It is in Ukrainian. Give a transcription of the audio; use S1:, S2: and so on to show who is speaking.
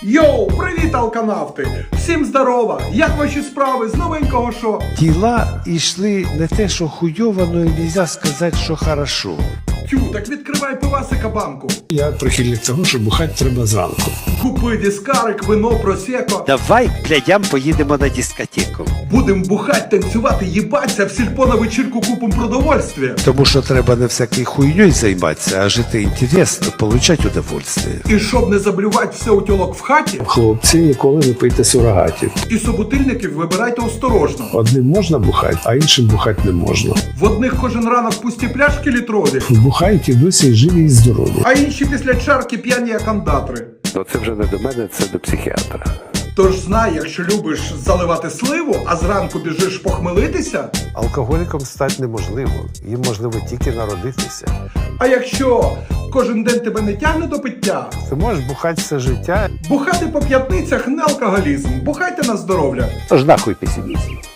S1: Йоу, привіт, алканавти! Всім здорова! Як ваші справи з новенького шо?
S2: Діла йшли не те, що хуйово, но і нельзя сказати, що хорошо.
S1: Тю, так відкривай пивасика банку.
S3: Я прихильник того, що бухати треба зранку.
S1: Купи дискарик, вино, просеко.
S2: Давай, блядям, поїдемо на дискотеку.
S1: Будем бухать, танцювати, їбаться, в сільпо на вечірку купим продовольствия.
S2: Тому що треба не всякою хуйньою займатися, а жити інтересно, получати удовольствие.
S1: І щоб не заблювати все у тьолок в хаті,
S3: Хлопці, ніколи не пийте сурогатів.
S1: і собутильників вибирайте осторожно.
S3: Одним можна бухати, а іншим бухати не можна.
S1: В одних кожен ранок пусті пляшки літрові,
S3: Бухають і досі живі і здорові.
S1: а інші після чарки п'яні як андатри.
S4: Ну це вже не до мене, це до психіатра.
S1: Тож знай, якщо любиш заливати сливу, а зранку біжиш похмелитися,
S2: Алкоголіком стати неможливо, їм можливо тільки народитися.
S1: а якщо кожен день тебе не тягне до пиття,
S2: Ти можеш бухати все життя,
S1: бухати по п'ятницях не алкоголізм, бухайте на здоров'я.
S2: тож нахуй песимізм.